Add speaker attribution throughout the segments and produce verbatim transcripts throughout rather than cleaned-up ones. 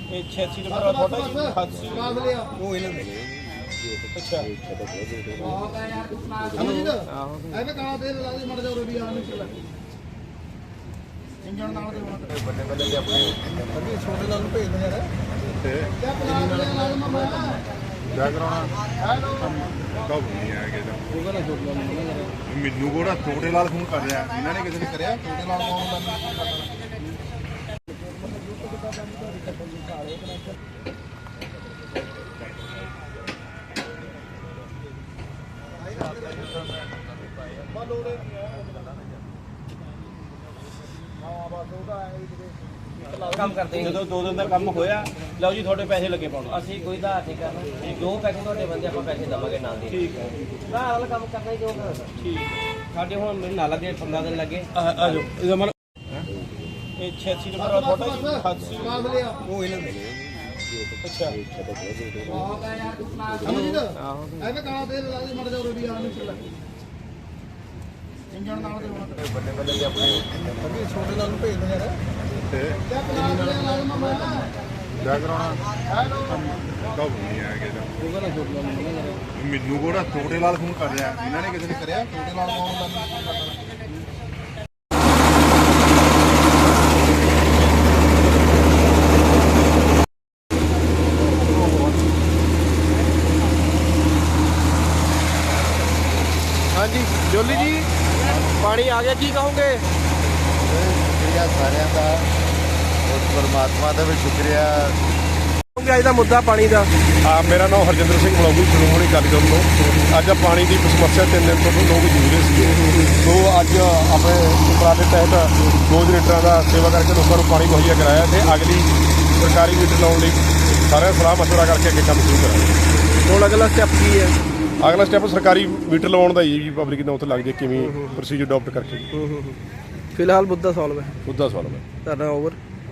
Speaker 1: ਇਹ छियासी ਨੰਬਰ ਵਾਲਾ ਤੁਹਾਡਾ ਜੀ ਅਠਾਸੀ
Speaker 2: ਉਹ ਇਹਨਾਂ ਦੇ
Speaker 1: ਅੱਛਾ
Speaker 2: ਅਮਰਜੀਤ ਐਵੇਂ ਕਾਲਾ ਤੇਲ ਲਾ ਦੇ ਮੜ ਜਾ ਰੋਬੀ ਆ ਨਿਕਲ ਇੰਜਣ ਨਾਲ ਦੇ ਹੁਣ ਬੱਲੇ ਬੱਲੇ ਦੇ ਆਪਣੇ ਅੱਗੇ ਛੋਟੇ ਨਾਲ ਨੂੰ ਭੇਜ ਦੇ ਯਾਰ ਤੇ ਕਿਆ ਪਲਾਟ ਦੇ ਨਾਲ ਮਮਾ
Speaker 3: ਕਿਆ ਕਰਾਉਣਾ
Speaker 2: ਹੈਲੋ
Speaker 3: ਕਬ ਨਹੀਂ ਆਏਗਾ ਤਾਂ
Speaker 2: ਉਹ ਕਹਿੰਦਾ ਛੋਟੇ ਨਾਲ ਨੂੰ
Speaker 3: ਮੈਨੂੰ ਕੋੜਾ ਛੋਟੇ ਲਾਲ ਫੋਨ ਕਰ ਰਿਹਾ ਇਹਨਾਂ ਨੇ ਕਿਸੇ ਨੇ
Speaker 2: ਕਰਿਆ ਛੋਟੇ ਨਾਲ ਕੌਣ ਦਾ
Speaker 1: ਕੰਮ ਕਰਦੇ ਜਦੋਂ ਦੋ ਦਿਨ ਦਾ ਕੰਮ ਹੋਇਆ ਲਓ ਜੀ ਤੁਹਾਡੇ ਪੈਸੇ ਲੱਗੇ ਪਾਉਣੇ
Speaker 4: ਅਸੀਂ ਕੋਈ ਦਾ ਨਹੀਂ ਕਰਨਾ ਜੋ ਪੈਸੇ ਤੁਹਾਡੇ ਬੰਦੇ ਆਪਾਂ ਪੈਸੇ ਦਵਾਂਗੇ ਨਾਲ ਦੇ
Speaker 1: ਠੀਕ ਹੈ
Speaker 4: ਨਾ ਵਾਲਾ ਕੰਮ ਕਰਨਾ ਹੀ ਜੋ ਕਰਨਾ
Speaker 1: ਠੀਕ
Speaker 4: ਸਾਡੇ ਹੁਣ ਮੈਨੂੰ ਨਾਲ ਲੱਗੇ ਪੰਦਰਾਂ ਦਿਨ ਲੱਗੇ
Speaker 1: ਆ ਆ ਜਾਓ ਇਹਦਾ ਮਤਲਬ ਇਹ छियासी ਨੰਬਰ ਵਾਲਾ ਤੁਹਾਡਾ ਜੀ ਅਠਾਸੀ
Speaker 2: ਉਹ ਇਹਨਾਂ ਦੇ
Speaker 1: ਅੱਛਾ
Speaker 2: ਅਮਰਜੀਤ ਐਵੇਂ ਕਾਲਾ ਤੇਲ ਲਾ ਦੇ ਮੜ ਜਾ ਰੋਬੀ ਆ ਨਿਕਲ ਇੰਜਣ ਨਾਲ ਦੇ ਹੁਣ ਬੱਲੇ ਬੱਲੇ ਦੇ ਆਪਣੇ ਅੱਗੇ ਛੋਟੇ ਨਾਲ ਨੂੰ ਭੇਜ ਦੇ ਯਾਰ
Speaker 3: ਤੇ
Speaker 2: ਕਿਆ ਪਲਾਟ ਦੇ ਨਾਲ ਮਮਾ
Speaker 3: ਕਿਆ ਕਰਾਉਣਾ
Speaker 2: ਹੈਲੋ
Speaker 3: ਕਬ ਨਹੀਂ ਆਏਗਾ ਤਾਂ
Speaker 2: ਉਹ ਕਹਿੰਦਾ ਛੋਟੇ ਨਾਲ ਨੂੰ
Speaker 3: ਮੈਨੂੰ ਕੋੜਾ ਛੋਟੇ ਲਾਲ ਫੋਨ ਕਰ ਰਿਹਾ ਇਹਨਾਂ ਨੇ ਕਿਸੇ ਨੇ
Speaker 2: ਕਰਿਆ ਛੋਟੇ ਨਾਲ ਕੌਣ ਦਾ
Speaker 1: ਹਾਂਜੀ ਜੋਲੀ ਜੀ ਪਾਣੀ ਆ ਗਿਆ ਕੀ ਕਹੋਗੇ
Speaker 3: ਸ਼ੁਕਰੀਆ ਸਾਰਿਆਂ ਦਾ ਉਸ ਪਰਮਾਤਮਾ ਦਾ ਵੀ ਸ਼ੁਕਰੀਆ
Speaker 1: ਕਹੋਗੇ ਅੱਜ ਦਾ ਮੁੱਦਾ ਪਾਣੀ ਦਾ
Speaker 3: ਆ ਮੇਰਾ ਨਾਮ ਹਰਜਿੰਦਰ ਸਿੰਘ ਬਲੌਗੂ ਸ਼੍ਰੋਮਣੀ ਅਕਾਲੀ ਦਲ ਤੋਂ ਅੱਜ ਪਾਣੀ ਦੀ ਸਮੱਸਿਆ ਤਿੰਨ ਦਿਨ ਤੋਂ ਲੋਕ ਜੂਝ ਰਹੇ ਸੀ ਸੋ ਅੱਜ ਆਪਣੇ ਉਪਰਾਲੇ ਤਹਿਤ ਦੋ ਲੀਟਰਾਂ ਦਾ ਸੇਵਾ ਕਰਕੇ ਲੋਕਾਂ ਨੂੰ ਪਾਣੀ ਮੁਹੱਈਆ ਕਰਾਇਆ ਤੇ ਅਗਲੀ ਸਰਕਾਰੀ ਮੀਟਰ ਲਾਉਣ ਲਈ ਸਾਰਿਆਂ ਸਲਾਹ ਮਸ਼ਵਰਾ ਕਰਕੇ ਅੱਗੇ ਕੰਮ ਸ਼ੁਰੂ ਕਰਾਂਗੇ।
Speaker 1: ਹੁਣ ਅਗਲਾ ਸਟੈਪ ਕੀ ਹੈ
Speaker 3: ਅਗਲਾ ਸਟੈਪ ਸਰਕਾਰੀ ਮੀਟਰ ਲਵਾਉਣ ਦਾ ਹੀ ਜੀ ਪਬਲਿਕ ਨੂੰ ਉੱਥੇ ਲੱਗ ਜਾਏ ਕਿਵੇਂ ਪ੍ਰੋਸੀਜਰ ਅਡਾਪਟ ਕਰਕੇ
Speaker 1: ਫਿਲਹਾਲ ਮੁੱਦਾ ਸੋਲਵ ਹੈ
Speaker 3: ਉਹਦਾ ਸਵਾਲ ਹੈ
Speaker 1: ਧਰਨਾ ਓਵਰ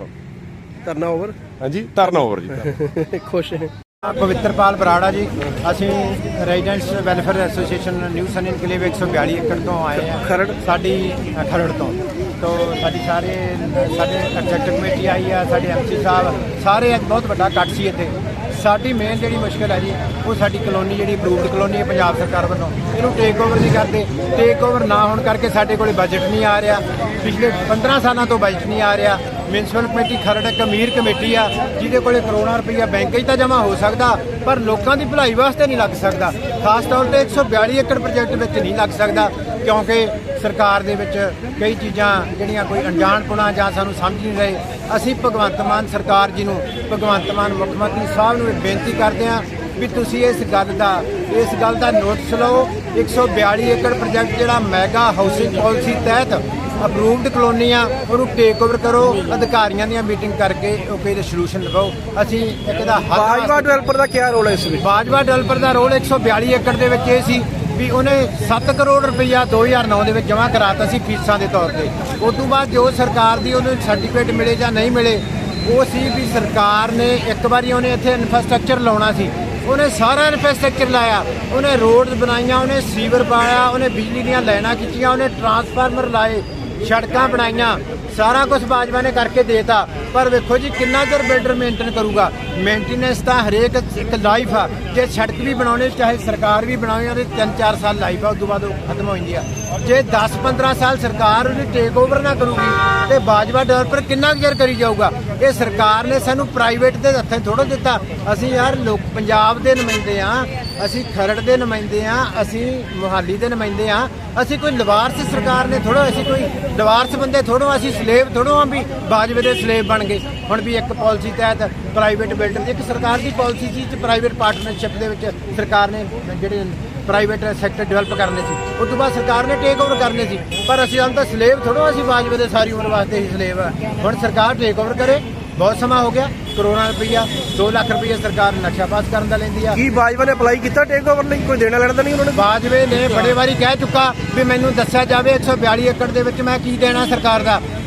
Speaker 1: ਧਰਨਾ ਓਵਰ
Speaker 3: ਹਾਂਜੀ ਧਰਨਾ ਓਵਰ ਜੀ ਧਰਨਾ।
Speaker 1: ਖੁਸ਼ ਹੈ
Speaker 2: ਪਵਿੱਤਰਪਾਲ ਬਰਾੜਾ ਜੀ ਅਸੀਂ residents welfare association new sun enclave ਇੱਕ ਸੌ ਬਿਆਲੀ ਏਕੜ ਤੋਂ ਆਏ ਆ
Speaker 1: ਖਰੜ
Speaker 2: ਸਾਡੀ ਅ, ਖਰੜ ਤੋਂ ਤੋਂ ਸਾਡੀ ਸਾਰੇ ਸਾਡੇ ਐਗਜ਼ੈਕਟਿਵ ਕਮੇਟੀ ਆਈ ਆ ਸਾਡੇ ਐਮਸੀ ਸਾਹਿਬ ਸਾਰੇ ਅੱਜ ਬਹੁਤ ਵੱਡਾ ਇਕੱਠ ਸੀ ਇੱਥੇ ਸਾਡੀ ਮੇਨ ਜਿਹੜੀ ਮੁਸ਼ਕਲ ਹੈ ਜੀ ਉਹ ਸਾਡੀ ਕਲੋਨੀ ਜਿਹੜੀ ਅਪਰੂਵਡ ਕਲੋਨੀ ਹੈ ਪੰਜਾਬ ਸਰਕਾਰ ਵੱਲੋਂ ਇਹਨੂੰ ਟੇਕ ਓਵਰ ਨਹੀਂ ਕਰਦੇ ਟੇਕ ਓਵਰ ਨਾ ਹੋਣ ਕਰਕੇ ਸਾਡੇ ਕੋਲੇ ਬਜਟ ਨਹੀਂ ਆ ਰਿਹਾ ਪਿਛਲੇ ਪੰਦਰਾਂ ਸਾਲਾਂ ਤੋਂ ਬਜਟ ਨਹੀਂ ਆ ਰਿਹਾ ਮਿਊਨਿਸਪਲ ਕਮੇਟੀ ਖਰੜ ਇੱਕ ਅਮੀਰ ਕਮੇਟੀ ਆ ਜਿਹਦੇ ਕੋਲੇ ਕਰੋੜਾਂ ਰੁਪਈਆ ਬੈਂਕ 'ਚ ਤਾਂ ਜਮ੍ਹਾਂ ਹੋ ਸਕਦਾ ਪਰ ਲੋਕਾਂ ਦੀ ਭਲਾਈ ਵਾਸਤੇ ਨਹੀਂ ਲੱਗ ਸਕਦਾ ਖਾਸ ਤੌਰ ਤੇ ਇੱਕ ਸੌ ਬਿਆਲੀ ਏਕੜ ਪ੍ਰੋਜੈਕਟ ਵਿੱਚ ਨਹੀਂ ਲੱਗ ਸਕਦਾ ਕਿਉਂਕਿ ਸਰਕਾਰ ਦੇ ਵਿੱਚ ਕਈ ਚੀਜ਼ਾਂ ਜਿਹੜੀਆਂ ਕੋਈ ਅਣਜਾਣਪੁਣਾ ਜਾਂ ਸਾਨੂੰ ਸਮਝ ਨਹੀਂ ਰਹੇ ਅਸੀਂ ਭਗਵੰਤ ਮਾਨ ਸਰਕਾਰ ਜੀ ਨੂੰ ਭਗਵੰਤ ਮਾਨ ਮੁੱਖ ਮੰਤਰੀ ਸਾਹਿਬ ਨੂੰ ਇਹ ਬੇਨਤੀ ਕਰਦੇ ਹਾਂ ਵੀ ਤੁਸੀਂ ਇਸ ਗੱਲ ਦਾ ਇਸ ਗੱਲ ਦਾ ਨੋਟਿਸ ਲਓ ਇੱਕ ਸੌ ਬਿਆਲੀ ਏਕੜ ਪ੍ਰੋਜੈਕਟ ਜਿਹੜਾ ਮੈਗਾ ਹਾਊਸਿੰਗ ਪਾਲਿਸੀ ਤਹਿਤ ਅਪਰੂਵਡ ਕਲੋਨੀ ਆ ਉਹਨੂੰ ਟੇਕ ਓਵਰ ਕਰੋ ਅਧਿਕਾਰੀਆਂ ਦੀਆਂ ਮੀਟਿੰਗ ਕਰਕੇ ਉਹ ਇਹਦਾ ਸੋਲੂਸ਼ਨ ਲਵਾਓ ਅਸੀਂ ਇੱਕ ਦਾ
Speaker 1: ਬਾਜਵਾ ਡਿਵੈਲਪਰ ਦਾ ਕੀ ਰੋਲ ਹੈ ਇਸ ਵਿੱਚ
Speaker 2: ਬਾਜਵਾ ਡਿਵੈਲਪਰ ਦਾ ਰੋਲ ਇੱਕ ਸੌ ਬਿਆਲੀ ਏਕੜ ਦੇ ਵਿੱਚ ਇਹ ਸੀ ਵੀ ਉਹਨੇ ਸੱਤ ਕਰੋੜ ਰੁਪਈਆ ਦੋ ਹਜ਼ਾਰ ਨੌ ਦੇ ਵਿੱਚ ਜਮ੍ਹਾਂ ਕਰਾਤਾ ਸੀ ਫੀਸਾਂ ਦੇ ਤੌਰ ਤੇ ਉਸ ਤੋਂ ਬਾਅਦ ਜੋ ਸਰਕਾਰ ਦੀ ਉਹਨੂੰ ਸਰਟੀਫਿਕੇਟ ਮਿਲੇ ਜਾਂ ਨਹੀਂ ਮਿਲੇ ਉਹ ਸੀ ਵੀ ਸਰਕਾਰ ਨੇ ਇੱਕ ਵਾਰੀ ਉਹਨੇ ਇੱਥੇ ਇਨਫਰਾਸਟ੍ਰਕਚਰ ਲਾਉਣਾ ਸੀ ਉਹਨੇ ਸਾਰਾ ਇਨਫਰਾਸਟ੍ਰਕਚਰ ਲਾਇਆ ਉਹਨੇ ਰੋਡ ਬਣਾਈਆਂ ਉਹਨੇ ਸੀਵਰ ਪਾਇਆ ਉਹਨੇ ਬਿਜਲੀ ਦੀਆਂ ਲਾਈਨਾਂ ਖਿੱਚੀਆਂ ਉਹਨੇ ਟਰਾਂਸਫਾਰਮਰ ਲਾਏ ਸੜਕਾਂ ਬਣਾਈਆਂ ਸਾਰਾ ਕੁਝ ਬਾਜਵਾ ਨੇ ਕਰਕੇ ਦੇਤਾ ਪਰ ਵੇਖੋ ਜੀ ਕਿੰਨਾ ਚਿਰ ਬਿਲਡਰ ਮੇਨਟੇਨ ਕਰੂਗਾ ਮੇਨਟੇਨੈਂਸ ਤਾਂ ਹਰੇਕ ਇੱਕ ਲਾਈਫ ਆ ਜੇ ਸੜਕ ਵੀ ਬਣਾਉਣੇ ਚਾਹੇ ਸਰਕਾਰ ਵੀ ਬਣਾਵੇ ਉਹਦੇ ਤਿੰਨ ਚਾਰ ਸਾਲ ਲਾਈਫ ਆ ਉਸ ਤੋਂ ਬਾਅਦ ਉਹ ਖਤਮ ਹੋ ਜਾਂਦੀ ਆ ਜੇ ਦਸ ਪੰਦਰਾਂ ਸਾਲ ਸਰਕਾਰ ਉਹਦੀ ਟੇਕ ਓਵਰ ਨਾ ਕਰੂਗੀ ਤੇ ਬਾਜਵਾ ਡਿਵੈਲਪਰ ਕਿੰਨਾ ਕੁ ਚਿਰ ਕਰੀ ਜਾਊਗਾ ਇਹ ਸਰਕਾਰ ਨੇ ਸਾਨੂੰ ਪ੍ਰਾਈਵੇਟ ਦੇ ਹੱਥਾਂ ਥੋੜ੍ਹਾ ਦਿੱਤਾ ਅਸੀਂ ਯਾਰ ਲੋਕ ਪੰਜਾਬ ਦੇ ਨੁਮਾਇੰਦੇ ਆ ਅਸੀਂ ਖਰੜ ਦੇ ਨੁਮਾਇੰਦੇ ਆ ਅਸੀਂ ਮੁਹਾਲੀ ਦੇ ਨੁਮਾਇੰਦੇ ਆ ਅਸੀਂ ਕੋਈ ਲਵਾਰਸ ਸਰਕਾਰ ਨੇ ਥੋੜ੍ਹਾ ਅਸੀਂ ਕੋਈ ਲਵਾਰਸ ਬੰਦੇ ਥੋੜ੍ਹੋ ਅਸੀਂ ਸਲੇਵ ਥੋੜ੍ਹੋ ਆ ਵੀ ਬਾਜਵੇ ਦੇ ਸਲੇਵ ਬਣ ਗਏ ਹੁਣ ਵੀ ਇੱਕ ਪਾਲਿਸੀ ਤਹਿਤ ਪ੍ਰਾਈਵੇਟ ਬਿਲਡਰ ਇੱਕ ਸਰਕਾਰ ਦੀ ਪਾਲਿਸੀ ਸੀ ਤੇ ਪ੍ਰਾਈਵੇਟ ਪਾਰਟਨਰਸ਼ਿਪ ਦੇ ਵਿੱਚ ਸਰਕਾਰ ਨੇ ਜਿਹੜੇ ਪ੍ਰਾਈਵੇਟ ਸੈਕਟਰ ਡਿਵੈਲਪ ਕਰਨੇ ਸੀ ਉਸ ਤੋਂ ਬਾਅਦ ਸਰਕਾਰ ਨੇ ਟੇਕ ਓਵਰ ਕਰਨੇ ਸੀ ਪਰ ਅਸੀਂ ਹਾਲ ਤਾਂ ਸਲੇਵ ਥੋੜ੍ਹੋ ਅਸੀਂ ਬਾਜਵੇ ਦੇ ਸਾਰੀ ਉਮਰ ਵਾਸਤੇ ਹੀ ਸਲੇਵ ਆ ਹੁਣ ਸਰਕਾਰ ਟੇਕ ਓਵਰ ਕਰੇ ਬਹੁਤ ਸਮਾਂ ਹੋ ਗਿਆ ਕਰੋੜਾਂ ਰੁਪਈਆ ਦੋ ਲੱਖ ਰੁਪਈਆ ਸਰਕਾਰ ਨਕਸ਼ਾ ਪਾਸ ਕਰਨ ਦਾ ਲੈਂਦੀ ਆ
Speaker 1: ਕੀ ਬਾਜਵਾ ਨੇ ਅਪਲਾਈ ਕੀਤਾ ਟੇਕ ਓਵਰ ਲਈ ਕੋਈ ਦੇਣਾ ਲੈਣਾ ਤਾਂ ਨਹੀਂ ਉਹਨਾਂ ਨੇ
Speaker 2: ਬਾਜਵੇ ਨੇ ਬੜੇ ਵਾਰੀ ਕਹਿ ਚੁੱਕਾ ਵੀ ਮੈਨੂੰ ਦੱਸਿਆ ਜਾਵੇ ਇੱਕ ਸੌ ਬਿਆਲੀ ਏਕੜ ਦੇ ਵਿੱਚ ਮੈਂ ਕੀ ਦੇਣਾ ਸਰਕਾਰ ਦਾ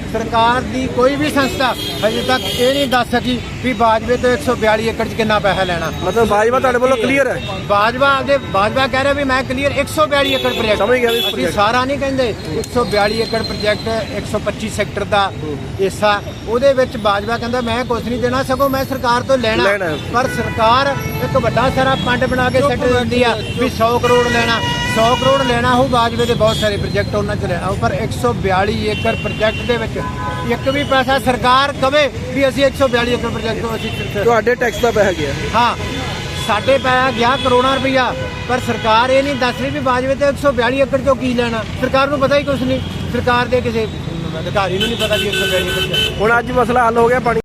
Speaker 2: ਸਰਕਾਰ ਦੀ ਕੋਈ ਵੀ ਸੰਸਥਾ ਹਜੇ ਤੱਕ ਇਹ ਨਹੀਂ ਦੱਸ ਸਕੀ ਵੀ ਬਾਜਵੇ ਤੋਂ ਇੱਕ ਸੌ ਬਿਆਲੀ ਏਕੜ 'ਚ ਕਿੰਨਾ ਪੈਸਾ ਲੈਣਾ।
Speaker 1: ਮਤਲਬ ਬਾਜਵਾ ਤੁਹਾਡੇ ਵੱਲੋਂ ਕਲੀਅਰ ਹੈ?
Speaker 2: ਬਾਜਵਾ ਦੇ ਬਾਜਵਾ ਕਹਿ ਰਿਹਾ ਵੀ ਮੈਂ ਕਲੀਅਰ ਇੱਕ ਸੌ ਬਿਆਲੀ ਏਕੜ ਪ੍ਰੋਜੈਕਟ
Speaker 1: ਸਮਝ ਗਿਆ ਵੀ
Speaker 2: ਅਸੀਂ ਸਾਰਾ ਨਹੀਂ ਕਹਿੰਦੇ। ਇੱਕ ਸੌ ਬਿਆਲੀ ਏਕੜ ਪ੍ਰੋਜੈਕਟ ਇੱਕ ਸੌ ਪੱਚੀ ਸੈਕਟਰ ਦਾ ਹਿੱਸਾ, ਉਹਦੇ ਵਿੱਚ ਬਾਜਵਾ ਕਹਿੰਦਾ ਮੈਂ ਕੁਝ ਨਹੀਂ ਦੇਣਾ, ਸਗੋਂ ਮੈਂ ਸਰਕਾਰ ਤੋਂ ਲੈਣਾ।
Speaker 1: ਲੈਣਾ।
Speaker 2: ਪਰ ਸਰਕਾਰ ਇੱਕ ਵੱਡਾ ਸਾਰਾ ਪੰਡ ਬਣਾ ਕੇ ਸੈੱਟ ਦਿੰਦੀ ਆ ਵੀ ਸੌ ਕਰੋੜ ਲੈਣਾ, ਸੌ ਕਰੋੜ ਲੈਣਾ ਹੋ। ਬਾਜਵੇ ਦੇ ਬਹੁਤ ਸਾਰੇ ਪ੍ਰੋਜੈਕਟ ਉਹਨਾਂ 'ਚ ਲੈਣਾ, ਪਰ ਇੱਕ ਸੌ ਬਿਆਲੀ ਏਕੜ ਪ੍ਰੋਜੈਕਟ ਦੇ ਵਿੱਚ ਇੱਕ ਵੀ ਪੈਸਾ ਸਰਕਾਰ ਕਵੇ ਵੀ ਅਸੀਂ ਇੱਕ ਸੌ ਬਿਆਲੀ ਏਕੜ ਪ੍ਰੋਜੈਕਟ ਤੋਂ ਅਸੀਂ
Speaker 1: ਤੁਹਾਡੇ ਟੈਕਸ ਦਾ ਪੈਸਾ ਗਿਆ?
Speaker 2: ਹਾਂ, ਸਾਡੇ ਪਾਇਆ ਗਿਆ ਕਰੋੜਾਂ ਰੁਪਈਆ, ਪਰ ਸਰਕਾਰ ਇਹ ਨਹੀਂ ਦੱਸ ਰਹੀ ਵੀ ਬਾਜਵੇ ਤੇ ਇੱਕ ਸੌ ਬਿਆਲੀ ਏਕੜ ਚੋਂ ਕੀ ਲੈਣਾ। ਸਰਕਾਰ ਨੂੰ ਪਤਾ ਹੀ ਕੁਛ ਨਹੀਂ, ਸਰਕਾਰ ਦੇ ਕਿਸੇ ਅਧਿਕਾਰੀ ਨੂੰ ਨਹੀਂ ਪਤਾ ਵੀ ਇੱਕ ਸੌ ਬਿਆਲੀ ਏਕੜ।
Speaker 1: ਹੁਣ ਅੱਜ ਮਸਲਾ ਹੱਲ ਹੋ ਗਿਆ ਪਾਣੀ